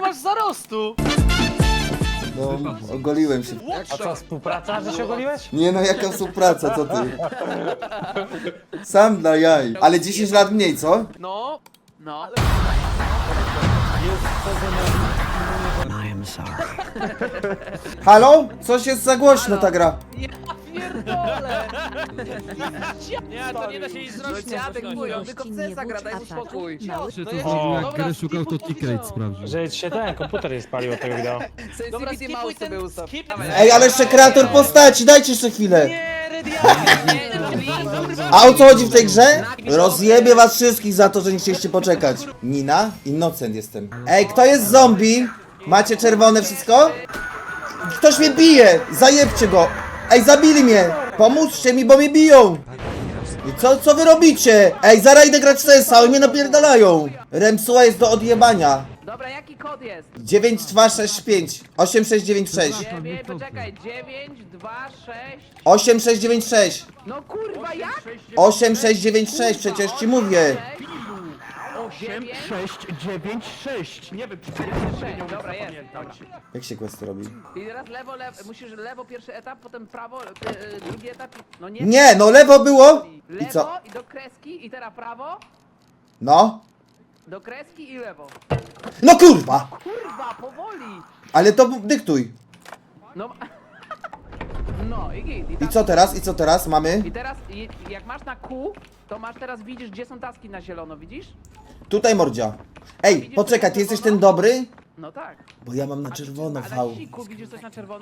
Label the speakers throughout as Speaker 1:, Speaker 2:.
Speaker 1: masz zarostu?
Speaker 2: No, ogoliłem się.
Speaker 3: A co, współpraca, że się ogoliłeś?
Speaker 2: Nie no, jaka współpraca, co ty? Sam dla jaj. Ale 10 lat mniej, co?
Speaker 1: No. No.
Speaker 2: Halo? Coś jest za głośno ta gra.
Speaker 1: Ja pierdolę! Nie, to nie da się nic zrobić.
Speaker 4: Dziadek mój, on tylko w CS gra, daj mu spokój.
Speaker 5: Czy to
Speaker 1: No ja-
Speaker 5: zrobił, jak
Speaker 1: dobra,
Speaker 5: grę szukał, to
Speaker 1: skipuj
Speaker 5: ticket
Speaker 1: to.
Speaker 5: sprawdził.
Speaker 3: Że ci się ten komputer nie spalił od tego wideo.
Speaker 4: Sensitivity mały sobie ustaw.
Speaker 2: Ej, ale jeszcze kreator postaci, dajcie jeszcze chwilę.
Speaker 1: Nie, Redia!
Speaker 2: A o co chodzi w tej grze? Rozjebie was wszystkich za to, że nie chcieliście poczekać. Nina? Innocent jestem. Ej, kto jest zombie? Macie czerwone wszystko? Ktoś mnie bije! Zajebcie go! Ej, zabili mnie! Pomóżcie mi, bo mnie biją! I co wy robicie? Ej, zaraz idę grać w CS-a, oni mnie napierdalają! Remsuła jest do odjebania.
Speaker 4: Dobra, jaki kod jest?
Speaker 2: 9265 8696
Speaker 4: 9, poczekaj, 9, 2, 6.
Speaker 2: 8696
Speaker 4: No kurwa, jak?
Speaker 2: 8696, przecież ci mówię.
Speaker 4: 8,
Speaker 1: 6, 9, 6. Nie wiem, czy to
Speaker 4: 6, dobra, jest. Dobra.
Speaker 2: Jak się quest robi?
Speaker 4: I teraz lewo, musisz lewo pierwszy etap, potem prawo, drugi etap. No nie.
Speaker 2: Nie, no lewo było. I
Speaker 4: Lewo
Speaker 2: co?
Speaker 4: i do kreski i teraz prawo,
Speaker 2: No.
Speaker 4: do kreski i lewo.
Speaker 2: No kurwa!
Speaker 4: Kurwa, powoli.
Speaker 2: Ale to dyktuj.
Speaker 4: No. No i git.
Speaker 2: I
Speaker 4: tak-
Speaker 2: co teraz? I co teraz mamy?
Speaker 4: I teraz, jak masz na Q, to masz teraz, widzisz, gdzie są taski na zielono, widzisz?
Speaker 2: Tutaj mordzia. Ej, poczekaj, ty jesteś ten dobry?
Speaker 4: No tak.
Speaker 2: Bo ja mam na czerwono
Speaker 4: A
Speaker 2: V.
Speaker 4: naciśnij Q, widzisz coś na czerwono?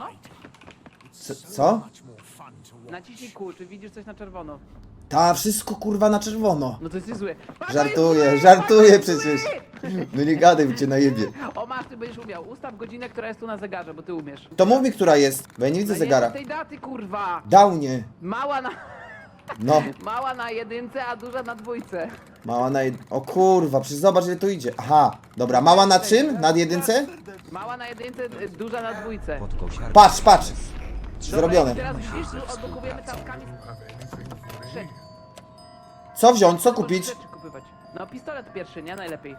Speaker 2: Co?
Speaker 4: Naciśnij Q, czy widzisz coś na czerwono?
Speaker 2: Ta, wszystko kurwa na czerwono.
Speaker 4: No to jest zły.
Speaker 2: Żartuję, żartuję przecież. No nie gadaj, cię najebie.
Speaker 4: O masz, ty będziesz umiał. Ustaw godzinę, która jest tu na zegarze, bo ty umiesz.
Speaker 2: To mów mi, która jest, bo ja nie widzę
Speaker 4: No
Speaker 2: zegara.
Speaker 4: nie, tej daty, kurwa.
Speaker 2: Downie.
Speaker 4: Mała na...
Speaker 2: No,
Speaker 4: Mała na jedynce, a duża na dwójce.
Speaker 2: mała na O kurwa, przecież zobacz ile tu idzie. Aha, dobra, mała na czym? Na jedynce?
Speaker 4: Mała na jedynce, duża na dwójce.
Speaker 2: Patrz, patrz.
Speaker 4: Dobra,
Speaker 2: Zrobione.
Speaker 4: i teraz widzisz, tu odblokowujemy taskami. Rzeczy.
Speaker 2: Co wziąć, co kupić?
Speaker 4: Rzeczy kupywać. No pistolet pierwszy, nie? Najlepiej.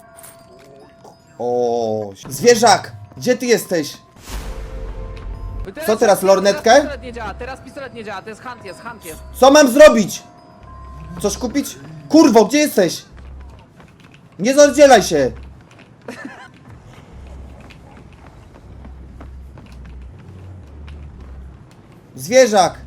Speaker 2: O, zwierzak! Gdzie ty jesteś?
Speaker 4: No
Speaker 2: Co teraz, lornetkę?
Speaker 4: Pistolet nie działa, teraz pistolet nie działa, to jest hunt jest, hunt jest.
Speaker 2: Co mam zrobić? Coś kupić? Kurwo, gdzie jesteś? Nie rozdzielaj się! Zwierzak!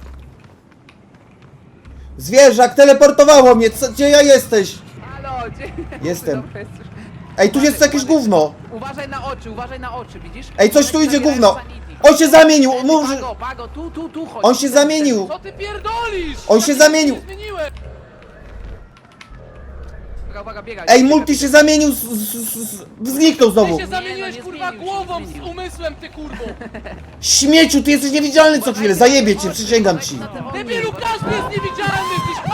Speaker 2: Zwierzak, teleportowało mnie! Gdzie ja jesteś?
Speaker 4: Halo, gdzie?
Speaker 2: Jestem.
Speaker 4: Dobra, jest już.
Speaker 2: Ej, tu jest jakieś gówno!
Speaker 4: Uważaj na oczy, widzisz?
Speaker 2: Ej, coś tu idzie
Speaker 4: Zabieraj
Speaker 2: gówno!
Speaker 4: sanity.
Speaker 2: On się zamienił! Mów, że...
Speaker 4: Pago, tu chodź.
Speaker 2: On się zamienił!
Speaker 1: Co ty pierdolisz?
Speaker 2: On się zamienił!
Speaker 1: Nie zmieniłem.
Speaker 4: Uwaga, biegaj.
Speaker 2: Ej, multi się zamienił! Zniknął
Speaker 1: Ty
Speaker 2: znowu!
Speaker 1: się zamieniłeś,
Speaker 4: nie
Speaker 1: kurwa,
Speaker 4: zmienił się,
Speaker 1: głową
Speaker 4: nie
Speaker 1: z
Speaker 4: zmienił.
Speaker 1: umysłem, ty kurwo.
Speaker 2: Śmieciu, ty jesteś niewidzialny co chwilę! Zajebie cię, przysięgam ci!
Speaker 1: Debilu, każdy jest niewidzialny, gdzieś...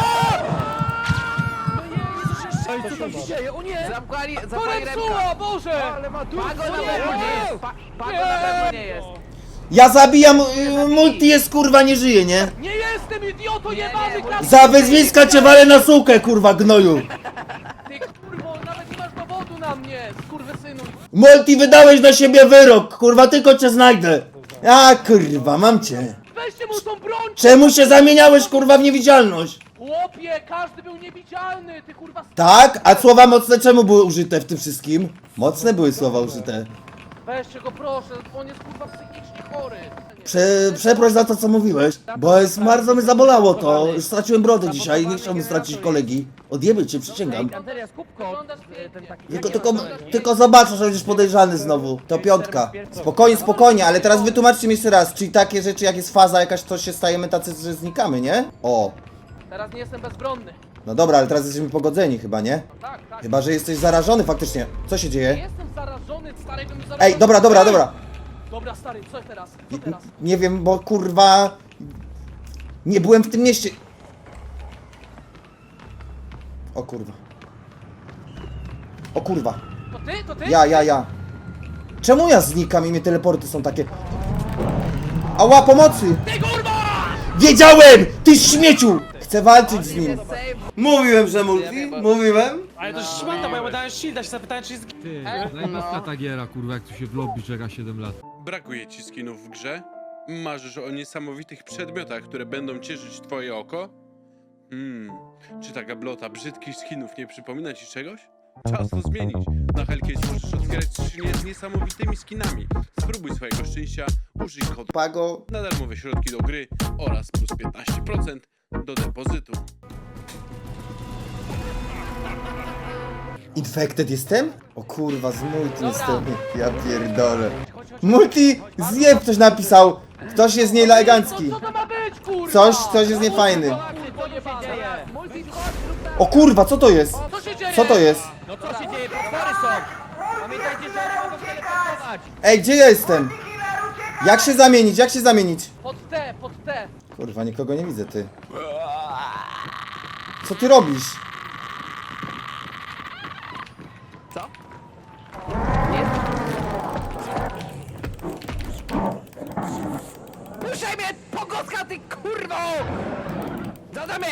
Speaker 1: Co się dzieje? O nie!
Speaker 4: Zapali remka.
Speaker 1: Porepsuła, Boże!
Speaker 4: Pago na pewno nie jest. Pago na pewno nie jest.
Speaker 2: Ja zabijam, multi jest kurwa, nie żyje, nie?
Speaker 1: Nie jestem idioto jebany, klasy!
Speaker 2: Za wyzwiska cię walę na sukę, kurwa, gnoju!
Speaker 1: Ty kurwo, nawet nie masz dowodu na mnie, skurwysynu.
Speaker 2: Multi, wydałeś na siebie wyrok, kurwa, tylko cię znajdę! A kurwa, mam cię!
Speaker 1: Weźcie mu tą broń!
Speaker 2: Czemu się zamieniałeś, kurwa, w niewidzialność?
Speaker 1: Łopie, każdy był niewidzialny, ty kurwa...
Speaker 2: Tak? A słowa mocne czemu były użyte w tym wszystkim? Mocne były słowa użyte.
Speaker 1: Weźcie go proszę, on jest kurwa psychicznie chory.
Speaker 2: Przeproś za to, co mówiłeś, bo jest, bardzo mnie zabolało to. Straciłem brodę dzisiaj, nie chciałbym stracić kolegi. Odjebie cię, przysięgam.
Speaker 4: Antelia, skupko. Ten taki.
Speaker 2: Tylko zobaczę, że będziesz podejrzany znowu. To piątka. Spokojnie, spokojnie, ale teraz wytłumaczcie mi jeszcze raz, czyli takie rzeczy jak jest faza jakaś, to się stajemy tacy, że znikamy, nie? O.
Speaker 1: Teraz nie jestem bezbronny.
Speaker 2: No dobra, ale teraz jesteśmy pogodzeni chyba, nie?
Speaker 1: Tak, tak.
Speaker 2: Chyba, że jesteś zarażony faktycznie. Co się
Speaker 1: Nie
Speaker 2: dzieje?
Speaker 1: jestem zarażony, stary, bym zarażony.
Speaker 2: Ej, dobra.
Speaker 1: Dobra, stary, co teraz? Co teraz?
Speaker 2: Nie wiem, bo kurwa... Nie byłem w tym mieście. O kurwa. O kurwa.
Speaker 1: To ty? To ty?
Speaker 2: Ja. Czemu ja znikam i mnie teleporty są takie... Ała, pomocy!
Speaker 1: Ty kurwa!
Speaker 2: Wiedziałem! Ty śmieciu! Chcę walczyć z nim.
Speaker 4: Save.
Speaker 2: Mówiłem, że multi. Mówiłem.
Speaker 3: Ale to szmata, bo ja mu dałem shielda, się zapytałem, czy jest...
Speaker 5: Ty, zajebista ta giera, kurwa, jak tu się w lobby czeka 7 lat.
Speaker 6: Brakuje ci skinów w grze? Marzysz o niesamowitych przedmiotach, które będą cieszyć twoje oko? Czy ta gablota brzydkich skinów nie przypomina ci czegoś? Czas to zmienić. Na Hellcase możesz otwierać skrzynie z niesamowitymi skinami. Spróbuj swojego szczęścia, użyj kodu
Speaker 2: Pago.
Speaker 6: na darmowe środki do gry oraz plus 15% do depozytu.
Speaker 2: Infected jestem? O kurwa, z multi jestem. Ja pierdolę. Multi! Zjeb ktoś napisał. Ktoś jest nieelegancki.
Speaker 1: Co to ma być, kurwa?
Speaker 2: Coś jest niefajny.
Speaker 1: Co się dzieje?
Speaker 4: Multi, chodź, zrób tak.
Speaker 2: O kurwa, co to jest?
Speaker 1: Co się dzieje?
Speaker 2: Co to jest?
Speaker 1: No co się dzieje? Potwory są! Pamiętajcie, że one mogą teleportować!
Speaker 2: Ej, gdzie ja jestem? Jak się zamienić? Jak się zamienić?
Speaker 1: Pod T, pod T!
Speaker 2: Kurwa, nikogo nie widzę, ty. Co ty robisz?
Speaker 4: Co? Puszczaj mnie, pogoska, ty kurwo! Zadamy!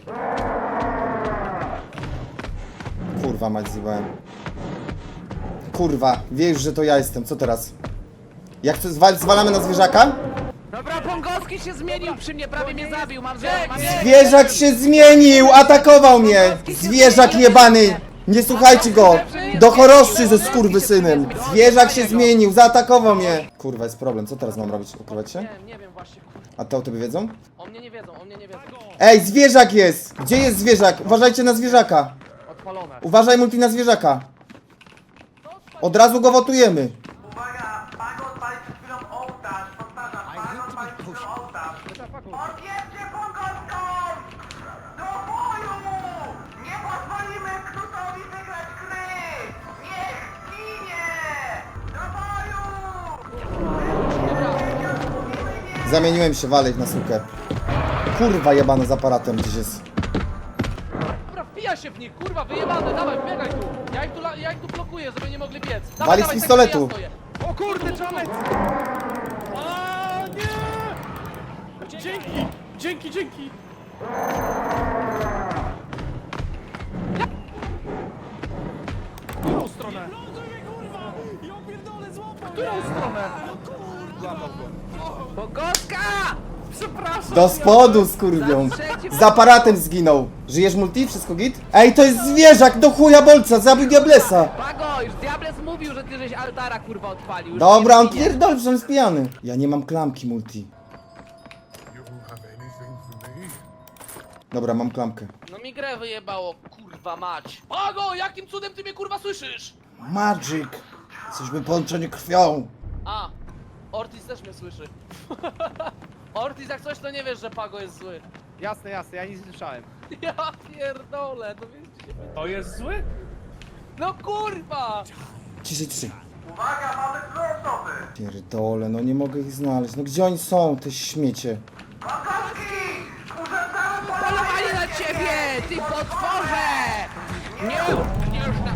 Speaker 2: Kurwa, mać zjebałem. Kurwa, wiesz, że to ja jestem. Co teraz? Jak to zwalamy na zwierzaka?
Speaker 4: Dobra, Pongowski się zmienił przy mnie, prawie mnie zabił, mam
Speaker 2: Zwierzak się zmienił! Atakował mnie! Zwierzak jebany! Nie słuchajcie go! Do choroszczy ze skurwysynem! Zwierzak się zmienił, zaatakował mnie! Kurwa, jest problem. Co teraz mam robić? Ukrywać się?
Speaker 1: Nie wiem właśnie, kurwa.
Speaker 2: A to o tobie wiedzą?
Speaker 1: O mnie nie wiedzą, o mnie nie wiedzą.
Speaker 2: Ej, zwierzak jest! Gdzie jest zwierzak? Uważajcie na zwierzaka!
Speaker 1: Odpalone.
Speaker 2: Uważaj multi na zwierzaka! Od razu go wotujemy!
Speaker 7: Uwaga, Pago odpalić przed chwilą ołtarz, powtarzam, Pago odpalić przed chwilą ołtarz. Odjedźcie Pongowską! Do boju! Nie pozwolimy Knutowi wygrać gry! Niech ginie! Do boju!
Speaker 2: Zamieniłem się, walej na sukę. Kurwa jebany z aparatem gdzieś jest.
Speaker 1: Dobra, wpija się w nich, kurwa, wyjebane, dawaj, biegaj tu. Ja ich tu blokuję, żeby nie mogli biec. Dawaj,
Speaker 2: Wali z
Speaker 1: dawaj,
Speaker 2: pistoletu.
Speaker 1: tak, ja stoję. O kurde, czamec! A nie! Dzięki! Dzięki, dzięki! Którą stronę? Którą stronę?
Speaker 4: Pongowska! Przepraszam!
Speaker 2: Do spodu skurwią. Z aparatem zginął. Żyjesz multi? Wszystko git? Ej, to jest zwierzak do chuja bolca, zabił Diablesa.
Speaker 4: Pago, już Diables mówił, że ty żeś altara kurwa odpalił. Już
Speaker 2: Dobra,
Speaker 4: nie
Speaker 2: on
Speaker 4: zginie.
Speaker 2: pierdol, że on jest pijany. Ja nie mam klamki multi. Dobra, mam klamkę.
Speaker 1: No mi grę wyjebało, kurwa mać. Pago, jakim cudem ty mnie kurwa słyszysz?
Speaker 2: Magic. Jesteśmy połączeni krwią.
Speaker 1: A, Ortiz też mnie słyszy. Ortiz, jak coś to nie wiesz, że Pago jest zły.
Speaker 8: Jasne, jasne, ja nic nie słyszałem.
Speaker 1: Ja pierdolę, to wiesz,
Speaker 3: To jest zły?
Speaker 1: no kurwa!
Speaker 2: Ciszej, ciszej.
Speaker 7: Uwaga, mamy dwie osoby!
Speaker 2: Pierdole, no nie mogę ich znaleźć. No gdzie oni są, te śmiecie?
Speaker 7: Pongowski! Urządzamy
Speaker 4: Polowali na ciebie, ty potworze! Nie już na...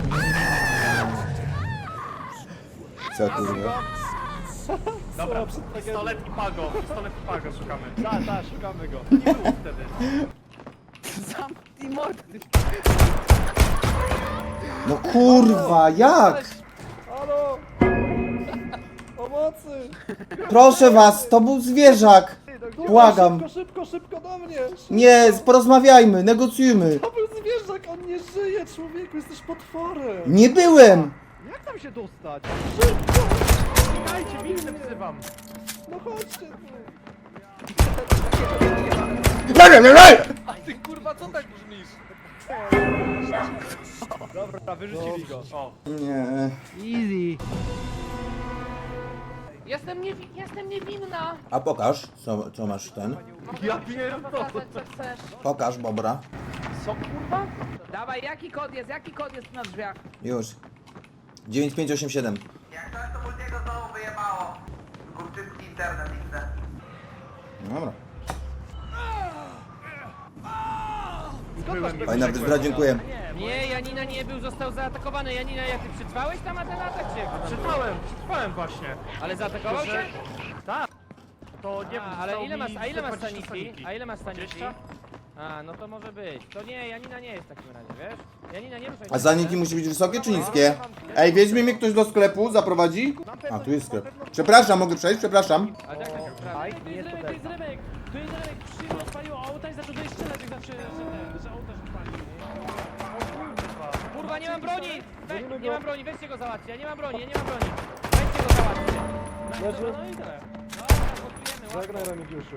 Speaker 2: Co kurwa?
Speaker 3: Dobra, pistolet i pago, szukamy.
Speaker 8: Tak, szukamy go. Nie było wtedy.
Speaker 4: Zamknij mordę, ty...
Speaker 2: No kurwa, jak?
Speaker 8: Halo! Pomocy!
Speaker 2: Proszę was, to był zwierzak. Błagam.
Speaker 8: Szybko do mnie!
Speaker 2: Nie, porozmawiajmy, negocjujmy.
Speaker 8: To był zwierzak, on nie żyje, człowieku, jesteś potworem!
Speaker 2: Nie byłem.
Speaker 8: Jak tam się dostać? Szybko!
Speaker 3: Dajcie, winny wzywam.
Speaker 8: No chodźcie tu!
Speaker 1: A ty kurwa, co tak brzmisz?
Speaker 8: Dobra, wyrzucili go.
Speaker 3: O,
Speaker 2: Nie.
Speaker 1: Jestem niewinna.
Speaker 2: A pokaż, co masz ten.
Speaker 8: Ja pierdolę!
Speaker 1: Pokazać, co chcesz.
Speaker 2: Pokaż, bobra.
Speaker 1: Co kurwa?
Speaker 4: Dawaj, jaki kod jest na drzwiach?
Speaker 2: Już. 9587.
Speaker 7: Jak coś to Multiego znowu wyjebało. Kurczycki internet, widzę.
Speaker 2: Dobra. Fajna wyzbra, dziękuję.
Speaker 1: Nie, Janina nie był, został zaatakowany. Janina, jak ty przetrwałeś tam na ten atak, czy?
Speaker 3: przetrwałem właśnie.
Speaker 1: Ale zaatakował cię?
Speaker 3: To nie
Speaker 1: A, ale ile masz sanity? A ile masz sanity?
Speaker 3: 20?
Speaker 1: A, no to może być. To nie, Janina nie jest w takim razie, wiesz? Janina nie ruszaj się.
Speaker 2: A zaniki musi być wysokie czy niskie? Ej, weźmie mnie ktoś do sklepu, zaprowadzi? A, tu jest sklep. Przepraszam, mogę przejść? Przepraszam.
Speaker 1: Ale jak tak sprawdzi? To jest Remek, to jest Remek! To jest Remek! Przyjechał, spaliło auta i zaczął do strzelać, jak zawsze, że auta się pali. Kurwa, nie mam broni! Nie mam broni, weźcie go załatwcie, ja nie mam broni, ja nie mam broni. Weźcie go załatwcie. No i dobra, no i tyle. Dobra, głosujemy, łatwo.
Speaker 8: Zagraj Remigiuszu.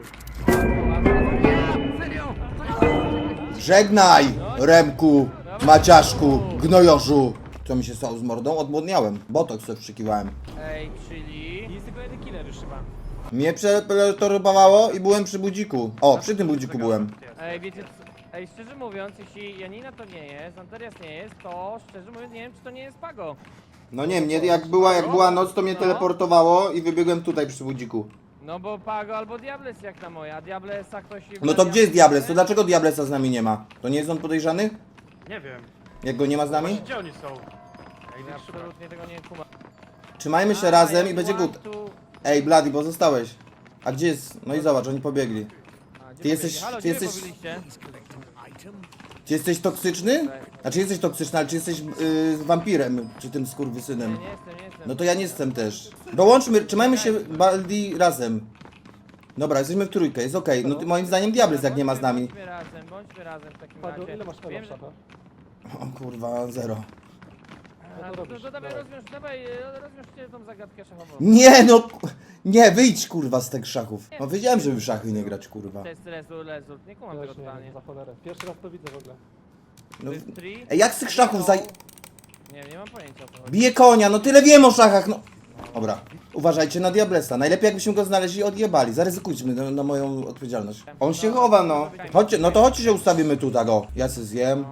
Speaker 4: Serio!
Speaker 2: Żegnaj, Remku, Maciaszku, Gnojorzu. Co mi się stało z mordą? Odmłodniałem. Botox sobie wszykiwałem.
Speaker 1: Ej, czyli... Jest tylko jeden killer już chyba.
Speaker 2: Mnie przetorowało i byłem przy budziku. O, przy tym budziku byłem.
Speaker 1: Ej, wiecie co? Ej, szczerze mówiąc, jeśli Janina to nie jest, Anterias nie jest, to szczerze mówiąc nie wiem, czy to nie jest Pago.
Speaker 2: No nie, mnie jak była noc, to mnie teleportowało i wybiegłem tutaj przy budziku.
Speaker 1: No bo Pago albo Diables jak na moja, a Diablesa ktoś...
Speaker 2: No to gdzie jest Diables? To dlaczego Diablesa z nami nie ma? To nie jest on podejrzany?
Speaker 3: Nie wiem.
Speaker 2: Jak go nie ma z nami?
Speaker 3: Gdzie oni są?
Speaker 1: Ja absolutnie tego nie kumam.
Speaker 2: Trzymajmy się razem i będzie good. Ej, Bloody, bo zostałeś. A gdzie jest? No i zobacz, oni pobiegli. Ty jesteś-
Speaker 1: Halo,
Speaker 2: ty
Speaker 1: gdzie
Speaker 2: jesteś-
Speaker 1: wy pobiliście?
Speaker 2: Czy jesteś toksyczny? Znaczy jesteś toksyczny, ale czy jesteś wampirem? Czy tym skurwysynem?
Speaker 1: Nie jestem, nie jestem.
Speaker 2: No to ja nie jestem też. Dołączmy, trzymajmy się Baldi razem. Dobra, jesteśmy w trójkę, jest okej. No to moim zdaniem Diables jak nie ma z nami.
Speaker 1: Bądźmy razem w takim
Speaker 8: Pago,
Speaker 1: razie.
Speaker 8: ile masz
Speaker 1: Wiem,
Speaker 8: w
Speaker 1: że...
Speaker 8: szafę?
Speaker 2: O kurwa, zero.
Speaker 1: A,
Speaker 8: to
Speaker 1: to
Speaker 8: robisz?
Speaker 1: dawaj,
Speaker 8: Dawaj.
Speaker 1: rozwiążcie tą zagadkę szachową.
Speaker 2: Nie no, nie, wyjdź kurwa z tych szachów. No wiedziałem, żeby w szachy nie grać kurwa.
Speaker 1: To jest result, nie kumam
Speaker 8: Ja
Speaker 1: tego
Speaker 8: już nie
Speaker 1: totalnie.
Speaker 8: wiem, za cholerę. Pierwszy raz to widzę w ogóle.
Speaker 2: No,
Speaker 1: To jest tri?
Speaker 2: ej, jak z tych szachów zaj...
Speaker 1: Nie mam pojęcia o co chodzi.
Speaker 2: Bije konia, no tyle wiem o szachach, no. Dobra, uważajcie na Diablesa. Najlepiej jakbyśmy go znaleźli i odjebali. Zaryzykujmy na moją odpowiedzialność. On się chowa, no. Chodźcie, no to chodźcie się ustawimy tu, tak o. Ja se zjem.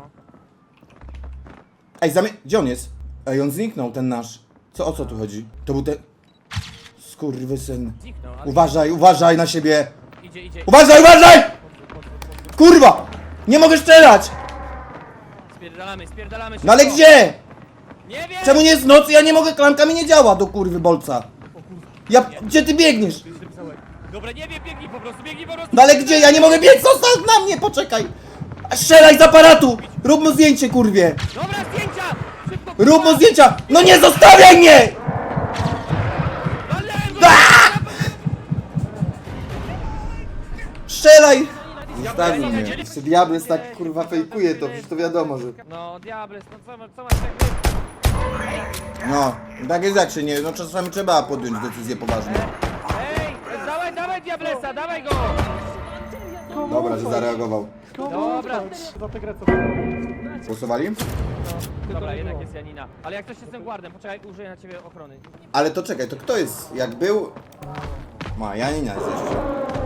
Speaker 2: Ej, gdzie on jest? Ej, on zniknął, ten nasz. O co tu chodzi? To był ten... Skurwysyn.
Speaker 1: Zniknął, ale
Speaker 2: Uważaj na siebie.
Speaker 1: idzie.
Speaker 2: Uważaj! Kurwa! Nie mogę strzelać!
Speaker 1: Spierdalamy się.
Speaker 2: No ale gdzie?
Speaker 1: Nie wiem!
Speaker 2: Czemu nie jest noc i ja nie mogę, klamka mi nie działa do kurwy bolca. Gdzie ty biegniesz?
Speaker 1: Dobra, nie wiem, biegnij po prostu.
Speaker 2: No ale gdzie? Ja nie mogę biec, zostaw na mnie, poczekaj! Strzelaj z aparatu! Rób mu zdjęcie, kurwie!
Speaker 1: Dobra, zdjęcia! Szybko,
Speaker 2: Rób mu zdjęcia! No nie zostawiaj mnie! Strzelaj! Zostawił mnie. Jeszcze Diables tak kurwa fejkuje to, przecież to wiadomo, że...
Speaker 1: No, Diables, no co masz tak...
Speaker 2: No, tak jest jak się nie... No czasami trzeba podjąć decyzję poważną.
Speaker 1: Ej, dawaj Diablesa, dawaj go!
Speaker 2: Dobra, że zareagował.
Speaker 1: Dobra.
Speaker 8: Za tę grę co
Speaker 2: Głosowali?
Speaker 1: Dobra, jednak jest Janina. Ale jak ktoś jest tym guardem, poczekaj, użyję na ciebie ochrony.
Speaker 2: Ale to czekaj, to kto jest? Jak był... Ma, Janina jest jeszcze.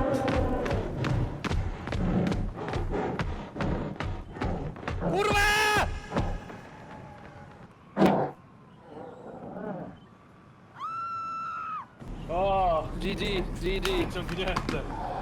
Speaker 1: Kurwa!
Speaker 3: O,
Speaker 4: GG.
Speaker 3: ciągnięte.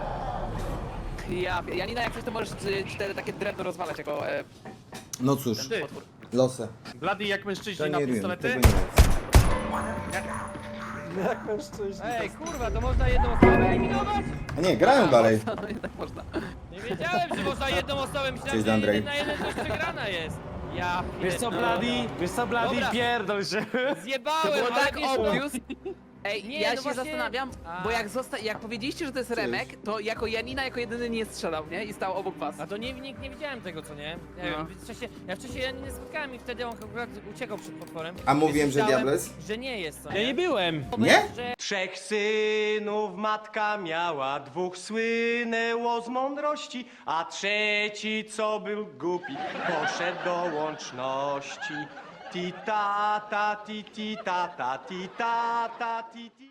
Speaker 4: Janina, jak coś to możesz cztery takie drewno rozwalać jako...
Speaker 2: No cóż,
Speaker 3: Ty,
Speaker 2: losy.
Speaker 3: Bloody jak
Speaker 2: To
Speaker 3: mężczyźni na
Speaker 2: nie wiem,
Speaker 3: pistolety?
Speaker 2: tego nie wiem.
Speaker 8: Jak mężczyźni.
Speaker 1: Ej, kurwa, to można jedną osobę eliminować?
Speaker 2: A nie, grają dalej.
Speaker 4: No i tak można.
Speaker 1: Nie wiedziałem, że można jedną osobę, myślałem,
Speaker 2: Cześć,
Speaker 1: że
Speaker 2: Andrzej.
Speaker 1: 1 na 1 coś przegrana jest. Ja
Speaker 3: Wiesz co,
Speaker 1: pierdolę.
Speaker 3: Bloody,
Speaker 1: Dobra.
Speaker 3: pierdol się.
Speaker 1: Zjebałem,
Speaker 4: Było
Speaker 1: ale
Speaker 4: tak
Speaker 1: wiesz co?
Speaker 4: obvious. Ej,
Speaker 1: Nie,
Speaker 4: ja
Speaker 1: no
Speaker 4: się
Speaker 1: właśnie-
Speaker 4: zastanawiam,
Speaker 1: A.
Speaker 4: bo jak powiedzieliście, że to jest Remek, to jako Janina jako jedyny nie strzelał, nie? I stał obok was.
Speaker 1: A to nikt nie widziałem tego, co nie?
Speaker 4: No.
Speaker 1: Ja wcześniej Janiny nie spotkałem i wtedy on akurat uciekał przed potworem.
Speaker 2: A mówiłem,
Speaker 1: Więc
Speaker 2: że
Speaker 1: myślałem,
Speaker 2: Diables?
Speaker 1: Że nie jest, co
Speaker 3: Ja nie byłem.
Speaker 2: Nie?
Speaker 1: Że...
Speaker 9: 3 synów matka miała, 2 słynęło z mądrości, a 3, co był głupi, poszedł do łączności. Ti ta ta ti ta ta ti ta ta ti ti.